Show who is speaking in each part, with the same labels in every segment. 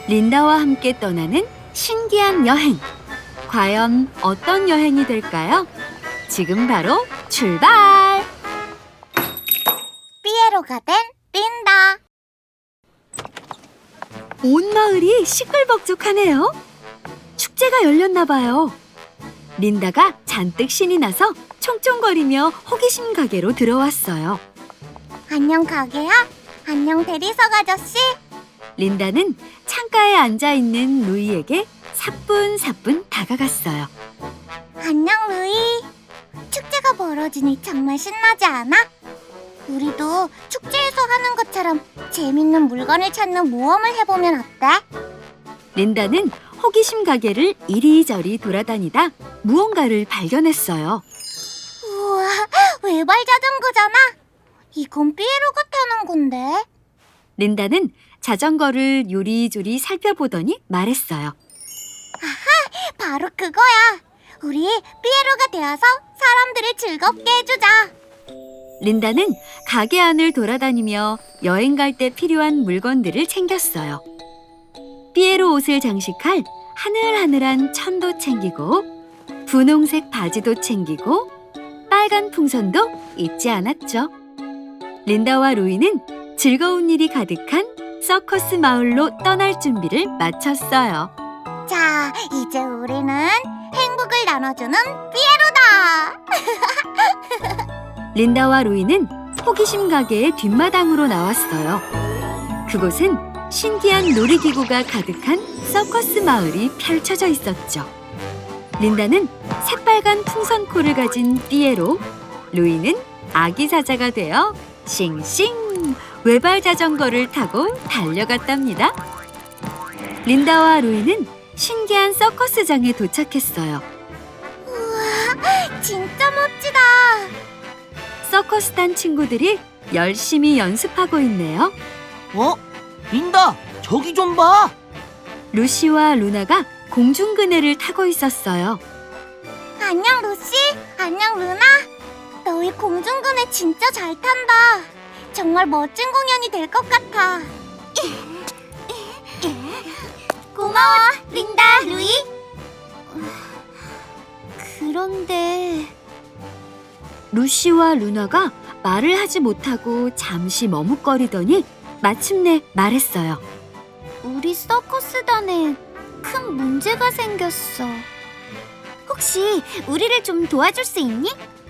Speaker 1: 린다와 함께 떠나는 신기한 여행. 과연 어떤 여행이 될까요? 지금 바로 출발!
Speaker 2: 삐에로가 된 린다.
Speaker 1: 온 마을이 시끌벅적하네요. 축제가 열렸나 봐요. 린다가 잔뜩 신이 나서 총총거리며 호기심 가게로 들어왔어요.
Speaker 2: 안녕 가게야. 안녕 대리석 아저씨.
Speaker 1: 린다는 창가에 앉아있는 루이에게 사뿐사뿐 다가갔어요.
Speaker 2: 안녕 루이. 축제가 벌어지니 정말 신나지 않아? 우리도 축제에서 하는 것처럼 재밌는 물건을 찾는 모험을 해보면 어때?
Speaker 1: 린다는 호기심 가게를 이리저리 돌아다니다 무언가를 발견했어요.
Speaker 2: 우와, 외발 자전거잖아. 이건 삐에로가 타는 건데.
Speaker 1: 린다는 자전거를 요리조리 살펴보더니 말했어요.
Speaker 2: 바로 그거야. 우리 삐에로가 되어서 사람들을 즐겁게 해주자.
Speaker 1: 린다는 가게 안을 돌아다니며 여행 갈 때 필요한 물건들을 챙겼어요. 삐에로 옷을 장식할 하늘하늘한 천도 챙기고 분홍색 바지도 챙기고 빨간 풍선도 잊지 않았죠. 린다와 루이는 즐거운 일이 가득한 서커스 마을로 떠날 준비를 마쳤어요.
Speaker 2: 자, 이제 우리는 행복을 나눠주는 삐에로다.
Speaker 1: 린다와 루이는 호기심 가게의 뒷마당으로 나왔어요. 그곳은 신기한 놀이기구가 가득한 서커스 마을이 펼쳐져 있었죠. 린다는 새빨간 풍선코를 가진 삐에로, 루이는 아기 사자가 되어 싱싱 외발 자전거를 타고 달려갔답니다. 린다와 루이는 신기한 서커스장에 도착했어요.
Speaker 2: 우와, 진짜 멋지다.
Speaker 1: 서커스단 친구들이 열심히 연습하고 있네요.
Speaker 3: 린다, 저기 좀 봐.
Speaker 1: 루시와 루나가 공중그네를 타고 있었어요.
Speaker 2: 안녕 루시. 안녕 루나. 너희 공중근해 진짜 잘 탄다. 정말 멋진 공연이 될 것 같아. 고마워 린다 루이.
Speaker 1: 그런데 루시와 루나가 말을 하지 못하고 잠시 머뭇거리더니 마침내 말했어요.
Speaker 2: 우리 서커스단에 큰 문제가 생겼어. 혹시 우리를 좀 도와줄 수 있니?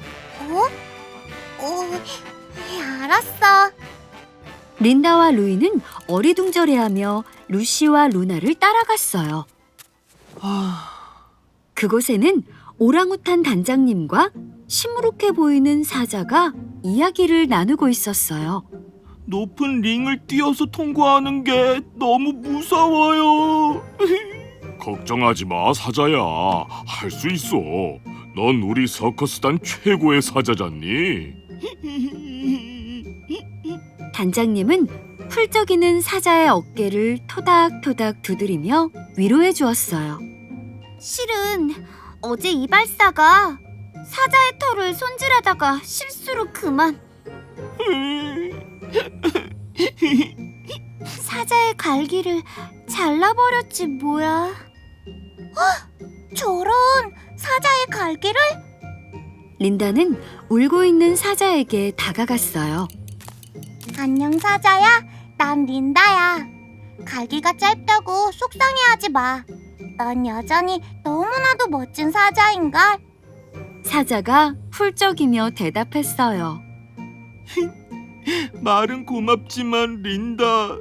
Speaker 2: 알았어.
Speaker 1: 린다와 루이는 어리둥절해하며 루시와 루나를 따라갔어요. 그곳에는 오랑우탄 단장님과 시무룩해 보이는 사자가 이야기를 나누고 있었어요.
Speaker 4: 높은 링을 뛰어서 통과하는 게 너무 무서워요. 걱정하지 마, 사자야. 할 수 있어. 넌 우리 서커스단 최고의 사자잖니.
Speaker 1: 단장님은 훌쩍이는 사자의 어깨를 토닥토닥 두드리며 위로해 주었어요.
Speaker 2: 실은 어제 이발사가 사자의 털을 손질하다가 실수로 그만. 사자의 갈기를 잘라버렸지 뭐야. 저런, 사자의 갈기를?
Speaker 1: 린다는 울고 있는 사자에게 다가갔어요.
Speaker 2: 안녕 사자야, 난 린다야. 갈기가 짧다고 속상해하지 마. 넌 여전히 너무나도 멋진 사자인걸.
Speaker 1: 사자가 훌쩍이며 대답했어요.
Speaker 4: 말은 고맙지만 린다.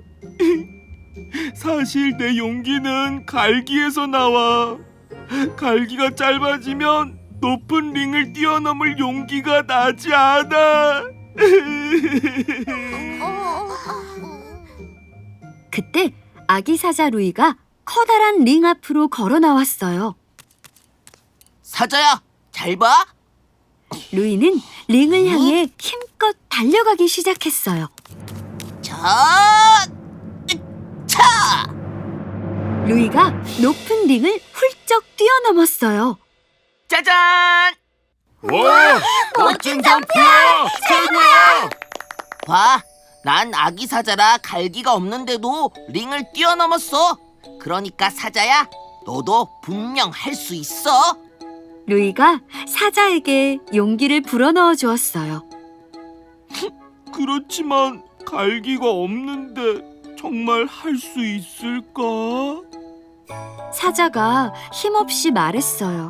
Speaker 4: 사실 내 용기는 갈기에서 나와. 갈기가 짧아지면 높은 링을 뛰어넘을 용기가 나지 않아.
Speaker 1: 그때 아기 사자 루이가 커다란 링 앞으로 걸어 나왔어요.
Speaker 3: 사자야, 잘 봐.
Speaker 1: 루이는 링을 향해 힘껏 달려가기 시작했어요.
Speaker 3: 자, 차!
Speaker 1: 루이가 높은 링을 훌쩍 뛰어넘었어요.
Speaker 3: 짜잔!
Speaker 4: 와, 멋진 점프야! 최고야!
Speaker 3: 봐, 난 아기 사자라 갈기가 없는데도 링을 뛰어넘었어. 그러니까 사자야, 너도 분명 할 수 있어.
Speaker 1: 루이가 사자에게 용기를 불어넣어 주었어요.
Speaker 4: 그렇지만 갈기가 없는데 정말 할 수 있을까?
Speaker 1: 사자가 힘없이 말했어요.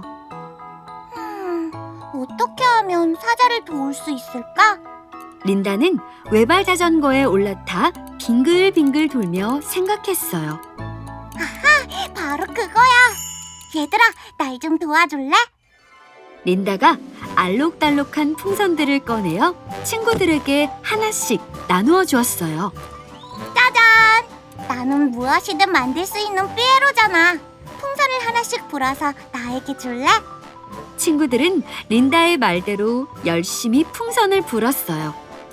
Speaker 2: 어떻게 하면 사자를 도울 수 있을까?
Speaker 1: 린다는 외발 자전거에 올라타 빙글빙글 돌며 생각했어요.
Speaker 2: 바로 그거야. 얘들아, 날 좀 도와줄래?
Speaker 1: 린다가 알록달록한 풍선들을 꺼내어 친구들에게 하나씩 나누어 주었어요.
Speaker 2: 짜잔! 나는 무엇이든 만들 수 있는 삐에로잖아. 풍선을 하나씩 불어서 나에게 줄래?
Speaker 1: 친구들은 린다의 말대로 열심히 풍선을 불었어요.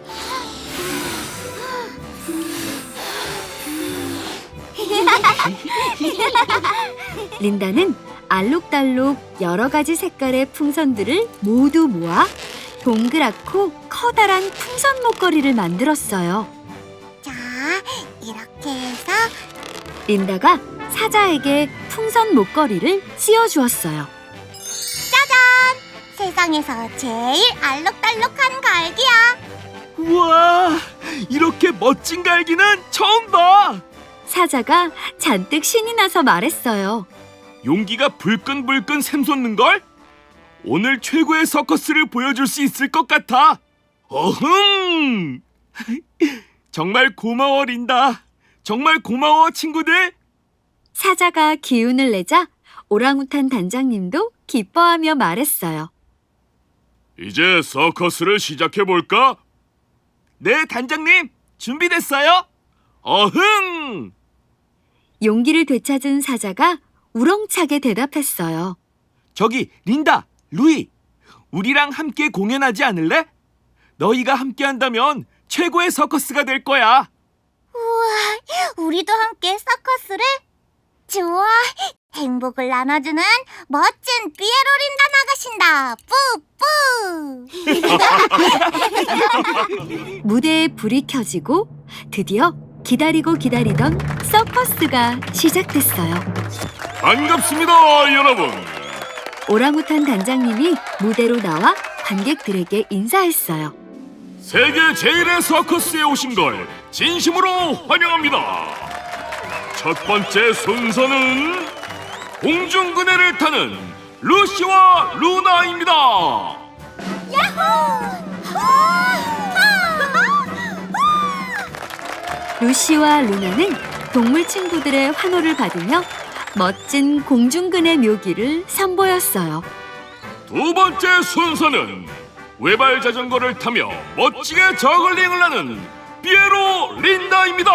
Speaker 1: 린다는 알록달록 여러 가지 색깔의 풍선들을 모두 모아 동그랗고 커다란 풍선 목걸이를 만들었어요.
Speaker 2: 자, 이렇게 해서
Speaker 1: 린다가 사자에게 풍선 목걸이를 씌워주었어요.
Speaker 2: 세상에서 제일 알록달록한 갈기야.
Speaker 4: 우와, 이렇게 멋진 갈기는 처음 봐.
Speaker 1: 사자가 잔뜩 신이 나서 말했어요.
Speaker 4: 용기가 불끈불끈 샘솟는걸? 오늘 최고의 서커스를 보여줄 수 있을 것 같아. 어흥! 정말 고마워, 린다. 정말 고마워, 친구들.
Speaker 1: 사자가 기운을 내자 오랑우탄 단장님도 기뻐하며 말했어요.
Speaker 4: 이제 서커스를 시작해볼까? 네, 단장님. 준비됐어요. 어흥!
Speaker 1: 용기를 되찾은 사자가 우렁차게 대답했어요.
Speaker 4: 저기, 린다, 루이. 우리랑 함께 공연하지 않을래? 너희가 함께 한다면 최고의 서커스가 될 거야.
Speaker 2: 우리도 함께 서커스를? 좋아. 행복을 나눠주는 멋진 삐에로 린다 나가신다. 뿌뿌.
Speaker 1: 무대에 불이 켜지고 드디어 기다리고 기다리던 서커스가 시작됐어요.
Speaker 4: 반갑습니다, 여러분.
Speaker 1: 오랑우탄 단장님이 무대로 나와 관객들에게 인사했어요.
Speaker 4: 세계 제일의 서커스에 오신 걸 진심으로 환영합니다. 첫 번째 순서는 공중그네를 타는 루시와 루나입니다.
Speaker 1: 루시와 루나는 동물 친구들의 환호를 받으며 멋진 공중근의 묘기를 선보였어요.
Speaker 4: 두 번째 순서는 외발 자전거를 타며 멋지게 저글링을 하는 삐에로 린다입니다.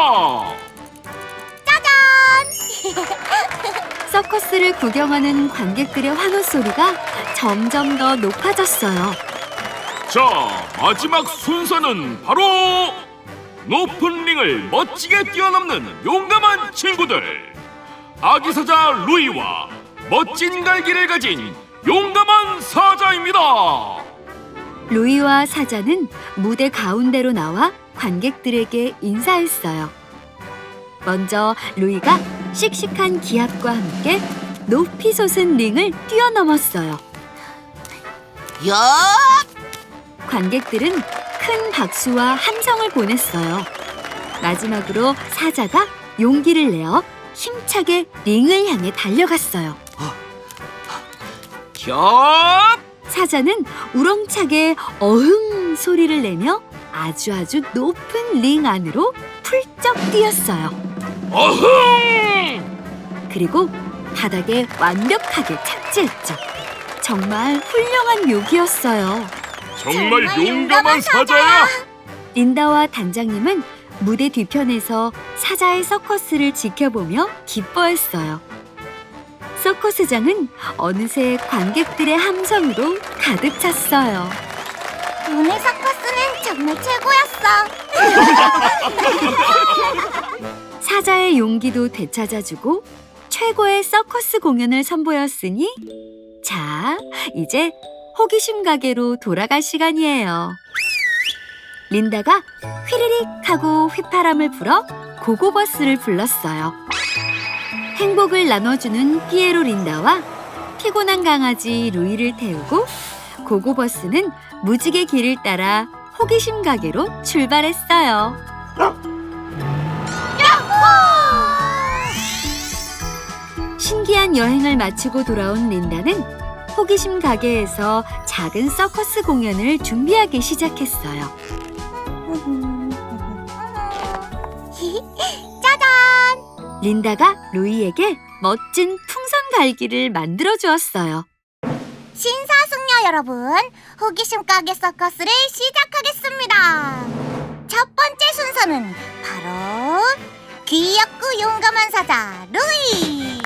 Speaker 1: 서커스를 구경하는 관객들의 환호 소리가 점점 더 높아졌어요.
Speaker 4: 자, 마지막 순서는 바로 높은 링을 멋지게 뛰어넘는 용감한 친구들, 아기사자 루이와 멋진 갈기를 가진 용감한 사자입니다.
Speaker 1: 루이와 사자는 무대 가운데로 나와 관객들에게 인사했어요. 먼저 루이가 씩씩한 기합과 함께 높이 솟은 링을 뛰어넘었어요.
Speaker 3: 야!
Speaker 1: 관객들은 큰 박수와 함성을 보냈어요. 마지막으로 사자가 용기를 내어 힘차게 링을 향해 달려갔어요.
Speaker 3: 겹!
Speaker 1: 사자는 우렁차게 어흥 소리를 내며 아주 높은 링 안으로 훌쩍 뛰었어요.
Speaker 4: 어흥!
Speaker 1: 그리고 바닥에 완벽하게 착지했죠. 정말 훌륭한 묘기였어요.
Speaker 4: 정말 용감한 사자야.
Speaker 1: 린다와 단장님은 무대 뒤편에서 사자의 서커스를 지켜보며 기뻐했어요. 서커스장은 어느새 관객들의 함성으로 가득 찼어요.
Speaker 2: 오늘 서커스는 정말 최고였어.
Speaker 1: 사자의 용기도 되찾아주고 최고의 서커스 공연을 선보였으니 자, 이제 호기심 가게로 돌아갈 시간이에요. 린다가 휘리릭 하고 휘파람을 불어 고고버스를 불렀어요. 행복을 나눠주는 피에로 린다와 피곤한 강아지 루이를 태우고 고고버스는 무지개 길을 따라 호기심 가게로 출발했어요. 신기한 여행을 마치고 돌아온 린다는 호기심 가게에서 작은 서커스 공연을 준비하기 시작했어요.
Speaker 2: 짜잔!
Speaker 1: 린다가 루이에게 멋진 풍선 갈기를 만들어 주었어요.
Speaker 2: 신사숙녀 여러분, 호기심 가게 서커스를 시작하겠습니다. 첫 번째 순서는 바로 귀엽고 용감한 사자 루이.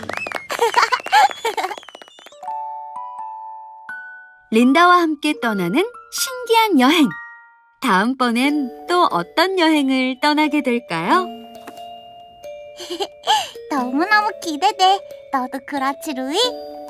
Speaker 1: 린다와 함께 떠나는 신기한 여행. 다음번엔 또 어떤 여행을 떠나게 될까요?
Speaker 2: 너무너무 기대돼. 너도 그렇지 루이?